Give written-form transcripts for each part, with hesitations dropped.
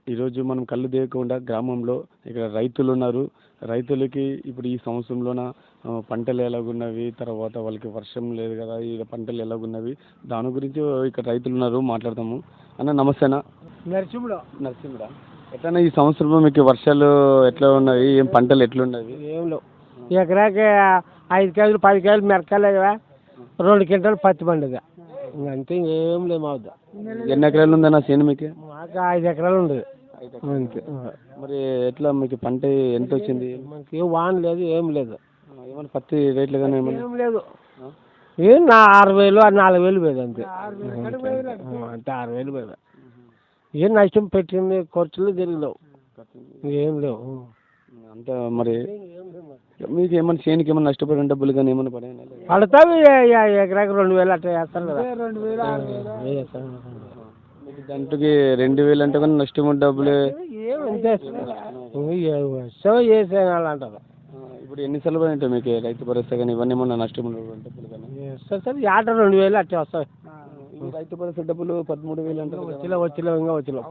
ఈరోజు మనం కళ్ళు దేయకుండా గ్రామంలో ఇక్కడ రైతులు ఉన్నారు. రైతులకి ఇప్పుడు ఈ సంవత్సరంలోన పంటలు ఎలాగున్నవి, తర్వాత వాళ్ళకి వర్షం లేదు కదా, ఈ పంటలు ఎలాగున్నవి దాని గురించి ఇక్కడ రైతులు ఉన్నారు, మాట్లాడతాము. అన్న నమస్తేనా? నరసింహుడా, ఎట్లా ఈ సంవత్సరం మీకు వర్షాలు ఎట్లా ఉన్నాయి, ఏం పంటలు ఎట్లున్నవి? ఏం లేవు. ఎకరాకి 5 కేజీలు 10 కేజీలు మిరకాయలు 2 క్వింటాలు పత్తి పండుగ అంతే, ఇంకేం లేవు. మా వద్ద ఎన్ని ఎకరాలు ఉందన్న చేను మీకు? మాకు 5 ఎకరాలు ఉండదు అంతే. మరి ఎట్లా మీకు పంట ఎంత వచ్చింది? మనకి ఏం వాన లేదు, ఏం లేదు. ఏమన్నా పత్తి రేట్లు కానీ ఏం లేదు. ఏం 6,000 4,000 పోయేది అంతే. అంతే 6,000 పోయేది. ఏం నష్టం పెట్టింది, ఖర్చులు తిరిగిలేవు, ఏం లేవు అంతా. మరి మీకు ఏమన్నా చేనికి ఏమన్నా నష్టపడిన డబ్బులు కానీ ఏమన్నా పడాయి? పడతావి. ఎకరాకి 2,000 అట్లా చేస్తారు కదా. మీకు దాంట్లోకి 2,000 అంటే కానీ నష్టం డబ్బులు ఏమంటే చేసేయాలంటారు. ఇప్పుడు ఎన్నిసార్లు పడి ఉంటాయి మీకు రైతు భరోసా కానీ ఇవన్నీ ఏమన్నా నష్టం డబ్బులు కానీ? సరే ఆట 2,000 అట్లా వస్తాయి. రైతు భరోసా డబ్బులు 13,000 అంటారు. వచ్చిలో ఇంకా వచ్చిలో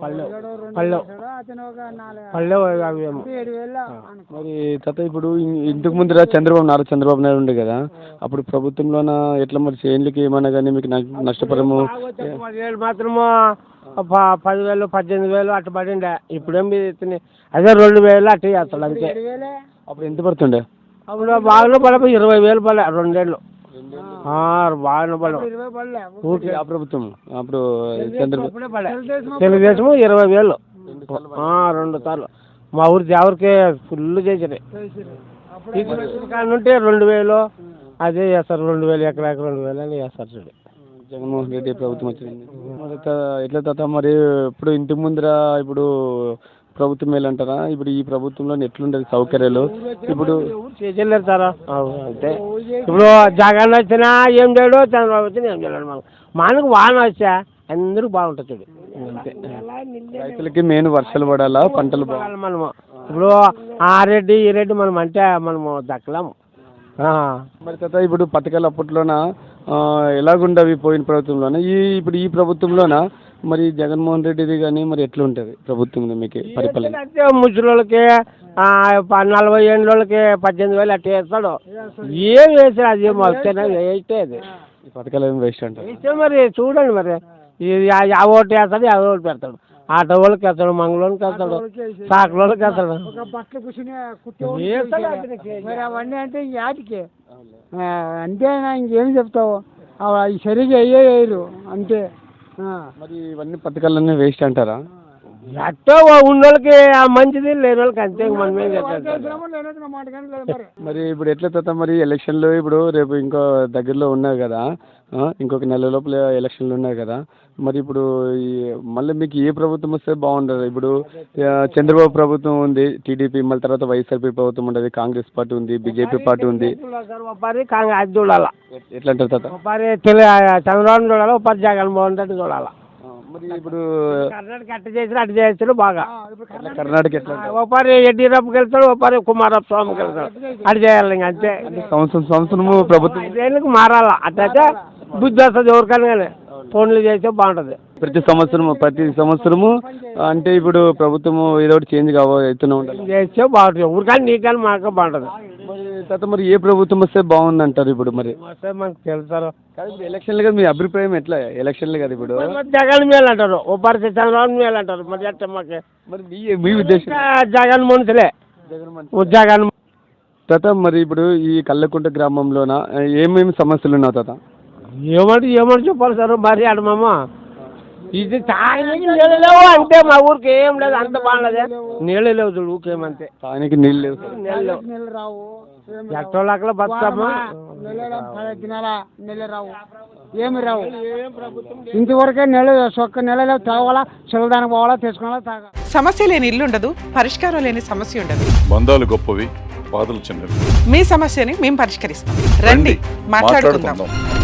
పల్లె అవేమో. మరి తాత ఇప్పుడు ఇంతకు ముందు చంద్రబాబు నాయుడు ఉండే కదా, అప్పుడు ప్రభుత్వంలోన ఎట్లా మరి చేనులకి ఏమన్నా కానీ మీకు నష్టపరము? 10,000 మాత్రము 10,000 18,000 అట్లా పడిండే. ఇప్పుడేం అదే 2,000 అట్లా చేస్తాడు అంతే. అప్పుడు ఎంత పడుతుండే? అప్పుడు బాగా పడ 20,000 పడలే 2 ఏళ్ళు బాగా పడ. ప్రభుత్వం అప్పుడు తెలుగుదేశం 20,000 2 సార్లు. మా ఊరి దేవరికి ఫుల్ చేసారు. ఉంటే 2,000 అదే చేస్తారు. 2,000 ఎకరాకి 2,000 అని చేస్తారు చూడు. జగన్మోహన్ రెడ్డి ప్రభుత్వం వచ్చింది. మరి ఎట్లా తాత మరి ఇప్పుడు ఇంటి ముందర ఇప్పుడు ప్రభుత్వం మేలంటారా? ఇప్పుడు ఈ ప్రభుత్వంలో ఎట్లుండదు సౌకర్యాలు? ఇప్పుడు చేయలేరు సార్. అంతే. ఇప్పుడు జగన్ వచ్చినా ఏం చేయడు, చంద్రబాబు వచ్చినా ఏం చేయలేడు. మనకు వాన వచ్చా అందరూ బాగుంటుంది చూడు అంతే. రైతులకి మెయిన్ వర్షాలు పడాలా, పంటలు బాగా. మనము ఇప్పుడు ఆ రెడ్డి ఈ రెడ్డి మనం అంటే మనము దక్కలేము. మరి తాత ఇప్పుడు పథకాలు అప్పట్లోన ఎలాగుండవి పోయిన ప్రభుత్వంలోన, ఇప్పుడు ఈ ప్రభుత్వంలోన మరి జగన్మోహన్ రెడ్డిది కానీ మరి ఎట్లా ఉంటుంది ప్రభుత్వం మీకు పరిపాలన? ముసలికి 40 ఏళ్ళకి 18,000 అట్లా వేస్తాడు. ఏం వేసాడు అది వస్తేనే వేస్తే అది ఈ పథకాలు ఏమి వేస్ట్ అంటారు. వేస్తే మరి చూడండి, మరి ఓటు వేస్తాడు, ఓటు పెడతాడు. ఆటో వాళ్ళకి వేస్తాడు, మంగళోళ్ళకి వేస్తాడు, సాకులోళ్ళకి వేస్తాడు. అవన్నీ అంటే యాటికి అంతేనా, ఇంకేం చెప్తావు? సరిగ్గా వేయరు అంతే. మరి ఇవన్నీ పథకాలన్నీ వేస్ట్ అంటారా? ఎట్టో ఉన్నోళ్ళకి మంచిది, లేని వాళ్ళకి అంతే. మనమే మరి ఇప్పుడు ఎట్లా తాత మరి ఎలక్షన్లు ఇప్పుడు రేపు ఇంకో దగ్గరలో ఉన్నాయి కదా, ఇంకొక నెల లోపల ఎలక్షన్లు ఉన్నాయి కదా, మరి ఇప్పుడు మళ్ళీ మీకు ఏ ప్రభుత్వం వస్తే బాగుండదు? ఇప్పుడు చంద్రబాబు ప్రభుత్వం ఉంది, టీడీపీ, మళ్ళీ తర్వాత వైఎస్ఆర్పీ ప్రభుత్వం ఉండదు, కాంగ్రెస్ పార్టీ ఉంది, బీజేపీ పార్టీ ఉంది. అది చూడాలా ఎట్లా అంటారు తాత? చంద్రబాబు చూడాలా, ఒకసారి జగన్మోహన్ రెడ్డి చూడాలా. మరి ఇప్పుడు కర్ణాటక అట్ట చేసి అట్ట చేస్తాడు బాగా. కర్ణాటక ఎట్లా? ఒకసారి యడ్యూరప్పకి వెళ్తాడు, ఒకసారి కుమారస్వామికి వెళ్తాడు. అటు చేయాలి ఇంకా అంతే. సంవత్సరము ప్రభుత్వం 5 ఏళ్ళకి మారాలా. అట్టయితే బుద్ధి వస్తుంది ఎవరికైనా కానీ. ఫోన్లు చేస్తే బాగుంటుంది. ప్రతి సంవత్సరము అంటే ఇప్పుడు ప్రభుత్వము ఏదో ఒకటి చేంజ్ అవుతూనే ఉండాలి, చేస్తే బాగుంటుంది. ఎవరికైనా నీకని మాకు బాగుంటుంది. తర్వాత మరి ఏ ప్రభుత్వం వస్తే బాగుంది అంటారు? ఇప్పుడు మరి వస్తే మనకు తెలుస్తారు. ఎలక్షన్లు కదా, మీ అభిప్రాయం ఎట్లా? ఎలక్షన్లు కదా ఇప్పుడు జగన్ మేలు అంటారు, ఒకసారి చంద్రబాబు మేలు అంటారు. మరి ఎట్లా మాకు? మరి మీ ఉద్దేశం? జగన్ మనుషులే, జగన్. తాత మరి ఇప్పుడు ఈ కల్లకుంట గ్రామంలోన ఏమేమి సమస్యలు ఉన్నావు తాత? ఏమంటే చెప్పాలి సార్. మరి అడమమ్మ ఇది తాగడానికి నీళ్ళు లేవు అంటే మా ఊరికి ఏం లేదు, అంత బాగుండదు. నీళ్ళు లేవు చూడు, ఊకేమంతే. తాగడానికి నీళ్ళు లేవు, నీళ్ళు రావు. ఎక్కడోళ్ళక్కడ బతుకమ్మ నీళ్ళు రావు, ఏమి రావు. ఇంతవరకే నీళ్ళు ఒక్క నెలలో తాగాలా, చిల్లదానికి పోవాలా, తెచ్చుకోవాలా, తాగాలి. సమస్య లేని ఇల్లు ఉండదు, పరిష్కారం లేని సమస్య ఉండదు. బంధాలు గొప్పవి, బాధలు చిన్నవి. మీ సమస్యని మేము పరిష్కరిస్తాం. రండి, మాట్లాడుకుందాం.